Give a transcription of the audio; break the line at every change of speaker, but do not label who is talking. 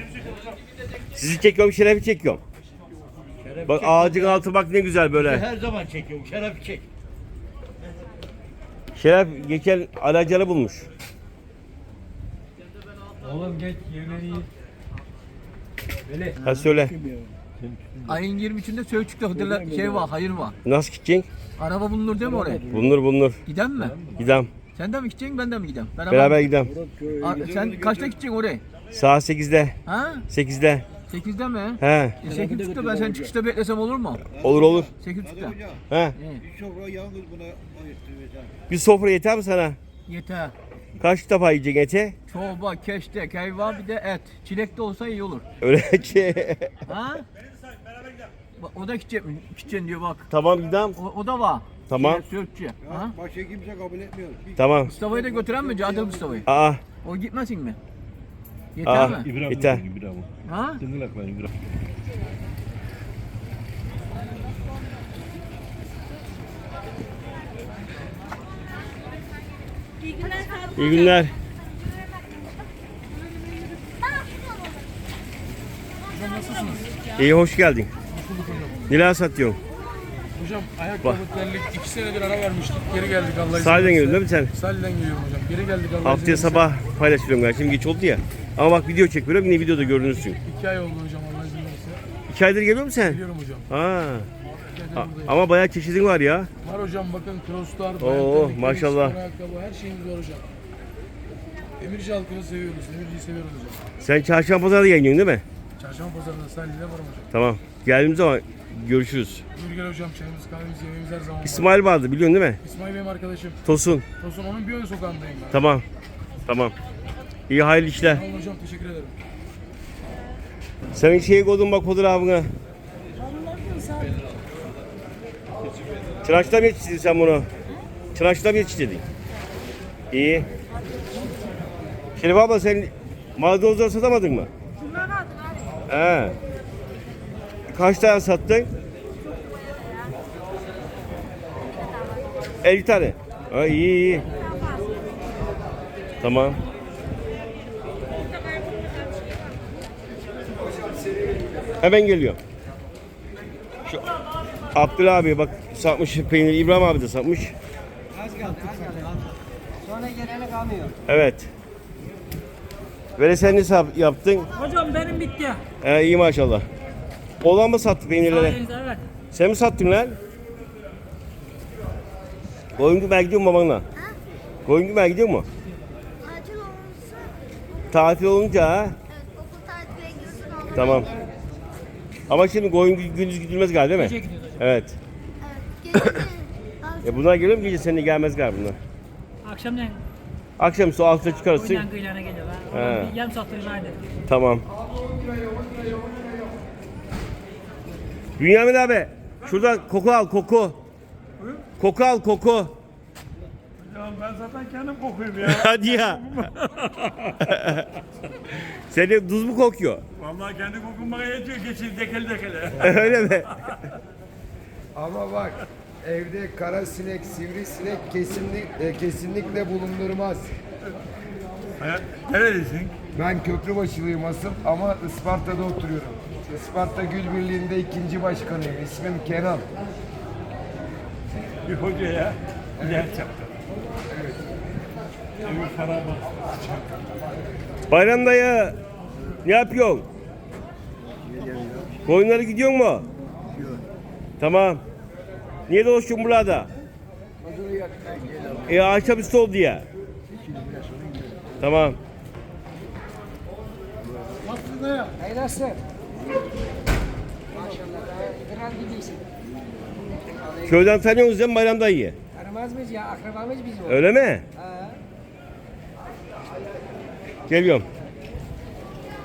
Sizi çekiyorum, Şeref'i çekiyorum. Bak ağacın altı bak ne güzel böyle.
Her zaman çekiyorum. Şeref çek.
Şeref geçen alacalı bulmuş.
Oğlum geç yemeği. Böyle.
Ha söyle.
Ayın 23'ünde Söğütçük'te şey var, hayır var.
Nasıl gideceksin?
Araba bulunur değil mi oraya?
Bulunur.
Giden mi?
Gidem.
Sen de mi gideceksin, ben de mi gideyim?
Beraber gidem.
Sen kaçta gideceksin oraya?
Saat 8'de.
Ha?
8'de.
8'de mi?
He.
8.30'da ben seni çıkışta beklesem olur mu?
Olur.
8.30'da.
He.
Bir sofra yalnız buna ayırttıracağım.
Bir sofra yeter mi sana?
Yeter.
Kaç defa yiyeceksin eti?
Çorba, keşkek, hayvan bir de et. Çilek de olsa iyi olur.
Öyle ki.
Ha? O da gidecek mi? Gideceksin diyor bak.
Tamam gidem.
O da var.
Tamam.
Söğütçü. Ha?
Başka kimse kabul etmiyor.
Tamam.
Mustafa'yı da götüren mi? Cadıl Mustafa'yı.
Aa.
O gitmesin mi? Yeter mi?
Yeter.
Ha?
İyi günler. İyi hoş geldin. Neler satıyorsun?
Hocam ayakkabı terlik 2 senedir ara vermiştik. Geri geldik Allah'a izin
Sahilden
verirse.
geliyorsun değil mi sen?
Sahilden geliyorum hocam. Geri geldik Allah'a izin
Haftaya
verirse.
sabah paylaşıyorum ben. Şimdi geç oldu ya. Ama bak video çekiyorum yine videoda görünürsün.
2 ay oldu hocam Allah'a izin verirse.
2 aydır geliyor musun sen?
Geliyorum hocam.
Ha.
2 aydır buradayım.
Ama bayağı çeşidin var ya.
Var hocam bakın crosslar,
Oo, maşallah.
ayakkabı her şeyimiz var hocam. Emirci halkını seviyoruz. Emirci'yi seviyoruz hocam.
Sen çarşamba pazarda yayınlıyorsun değil mi?
Çarşamba pazarında sahilde varım hocam.
Tamam. Geldiğimiz zaman görüşürüz.
Buyur gel hocam çayımız kahvemiz yemeğimiz her zaman var.
İsmail vardı biliyorsun değil mi?
İsmail benim arkadaşım.
Tosun.
Tosun onun bir ön sokağındayım ben.
Tamam. İyi hayırlı işler.
Sağ olun hocam teşekkür ederim.
Senin şeyi koydun bak fotoğrafına. Çıraçta mı yetiştirdin sen bunu? Çıraçta mı yetiştirdin? İyi. Şerif abla sen maydanozları satamadın mı?
Bunlar aldım abi.
He. Kaç tane sattın? 50 tane. Ha, iyi. Tamam. Hemen geliyor. Şu Abdullah abi bak satmış peyniri, İbrahim abi de satmış.
Sonra geleni kalmıyor.
Evet. Böyle sen ne yaptın?
Hocam benim bitti.
İyi maşallah. Oğlan mı sattı peynirleri?
Evet.
Sen mi sattın lan? Koyun gümer gidiyor mu babanla? Koyun gümer gidiyor mu?
Acil olursa
Tatil olunca ha?
evet, okul tatile gidiyorsun olur.
Tamam. Ama şimdi koyun gündüz gidilmez galiba değil mi?
Gece gidiyoruz hocam.
Evet.
Evet. Gece
Bunlar geliyor mu gece seninle gelmez galiba bunlar.
Akşamleyin
Akşam su altıda çıkarırsın.
oyundan kıyılana geliyorlar.
He.
Oradan bir yarım sattırayım hadi.
Tamam. Bünyamin abi şuradan koku al koku. Koku al koku.
Ya ben zaten kendim kokuyum ya.
Hadi ya. Senin tuz mu kokuyor?
Vallahi kendi kokum bana yetiyor. Geçin dekele.
Öyle mi?
Ama bak evde kara sinek, sivrisinek kesinlikle bulundurmaz.
Neredesin?
Ben Köprübaşılıyım asıl ama Isparta'da oturuyorum. Isparta Gül Birliği'nde 2. başkanıyım. İsmim Kenan.
Bir hoca ya. Yer çaktı. Evet. Bir para bak.
Bayram dayı ne yapıyorsun? Koyunları gidiyor mu? Tamam. Niye dolaşıyorsun burada? Akşamüstü oldu ya. Tamam.
Hayırlısı. Maşallah. Kral gibisin.
Köyden tanıyorsunuz değil mi Bayram dayıyı?
Aramaz mıyız ya? Akrabamız bizim.
Öyle mi? Geliyorum.